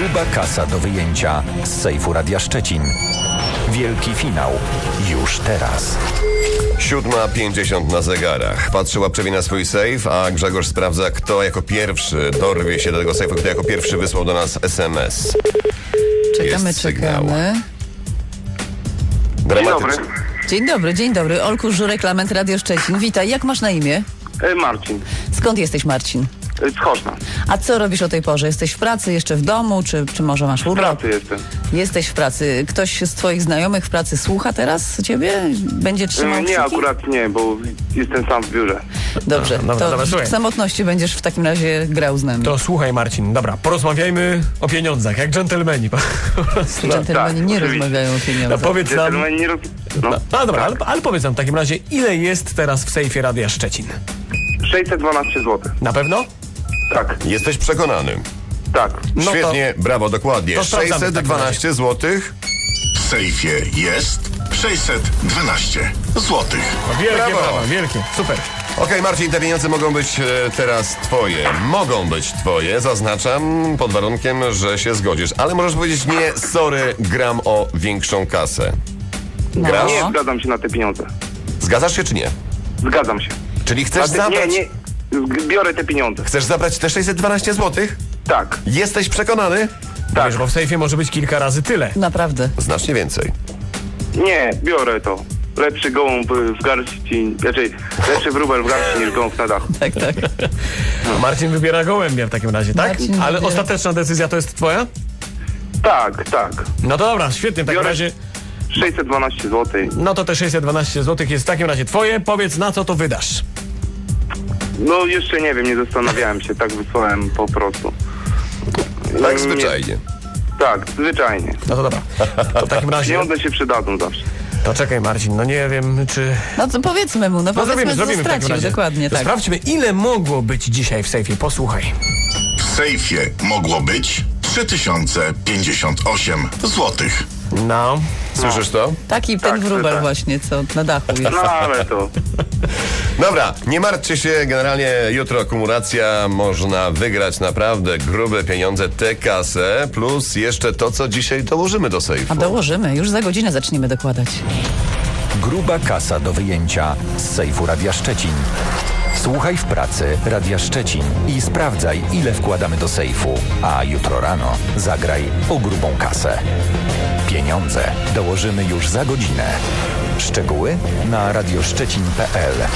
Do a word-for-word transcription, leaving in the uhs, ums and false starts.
Gruba kasa do wyjęcia z sejfu Radia Szczecin. Wielki finał już teraz. Siódma pięćdziesiąt na zegarach. Patrzy łapczewie na swój sejf, a Grzegorz sprawdza, kto jako pierwszy dorwie się do tego sejfu, kto jako pierwszy wysłał do nas es em es. Czekamy, Jest sygnał. czekamy. Dzień dobry. Dramatyczny. Dzień dobry, dzień dobry. Olku Żurek, Lament Radio Szczecin. Witaj, jak masz na imię? E, Marcin, Skąd jesteś, Marcin? e, z Choszna. A co robisz o tej porze? Jesteś w pracy, jeszcze w domu, czy, czy może masz W urlop? pracy jestem. Jesteś w pracy. Ktoś z twoich znajomych w pracy słucha teraz ciebie? Będzie trzymał E, Nie, kciuki? akurat nie, bo jestem sam w biurze. Dobrze, Dobra, to dobra, w słuchaj. samotności będziesz w takim razie grał z nami. To słuchaj, Marcin, dobra, porozmawiajmy o pieniądzach, jak dżentelmeni. Po prostu. No, Dżentelmeni tak, nie oczywiście. rozmawiają o no pieniądzach. powiedz nam... Gentleman nie roz... No, No, no dobra, ale, ale powiedz nam w takim razie, ile jest teraz w sejfie Radia Szczecin? sześćset dwanaście złotych. Na pewno? Tak, Jesteś przekonany. tak. No to- Świetnie, brawo, dokładnie. to sprawdzamy w sześćset takim dwanaście złotych. W sejfie jest sześćset dwanaście złotych. No, wielkie Brawo. brawa, wielkie, super. Okej, Marcin, te pieniądze mogą być e, teraz twoje. Mogą być twoje, zaznaczam, pod warunkiem, że się zgodzisz. Ale możesz powiedzieć nie, sorry, gram o większą kasę. No. Grasz? Nie zgadzam się na te pieniądze. Zgadzasz się czy nie? Zgadzam się. Czyli Na chcesz te, nie, zabrać... nie. Zg- Biorę te pieniądze. Chcesz zabrać te sześćset dwanaście złotych? Tak, Jesteś przekonany? tak. Wiesz, bo w sejfie może być kilka razy tyle. Naprawdę. Znacznie więcej. Nie, biorę to. Lepszy gołąb w garści, raczej lepszy wróbel w garści niż gołąb na dachu. Tak, tak. Marcin wybiera gołębia w takim razie, tak? Marcin Ale wybiera- ostateczna decyzja to jest twoja? Tak, tak. No to dobra, świetnie, w takim Biorę. razie... sześćset dwanaście złotych. No to te sześćset dwanaście złotych jest w takim razie twoje. Powiedz, na co to wydasz. No jeszcze nie wiem, nie zastanawiałem się, tak wysłałem po prostu. Tak Nie- zwyczajnie. Tak, zwyczajnie. No to dobra. To w takim razie... Pieniądze się przydadzą zawsze. To czekaj, Marcin, no nie wiem, czy... No to powiedzmy mu, no No powiedzmy, zrobimy, co zrobimy w takim stracił. razie. Dokładnie, To tak. sprawdźmy, ile mogło być dzisiaj w sejfie. Posłuchaj. W sejfie mogło być trzy tysiące pięćdziesiąt osiem złotych. No. Słyszysz to? Taki ten Tak, wróbel tak. właśnie, co na dachu jest. No ale to... Dobra, nie martwcie się, generalnie jutro akumulacja, można wygrać naprawdę grube pieniądze, tę kasę, plus jeszcze to, co dzisiaj dołożymy do sejfu. A dołożymy, już za godzinę zaczniemy dokładać. Gruba kasa do wyjęcia z sejfu Radia Szczecin. Słuchaj w pracy Radia Szczecin i sprawdzaj, ile wkładamy do sejfu. A jutro rano zagraj o grubą kasę. Pieniądze dołożymy już za godzinę. Szczegóły na radioszczecin kropka p l.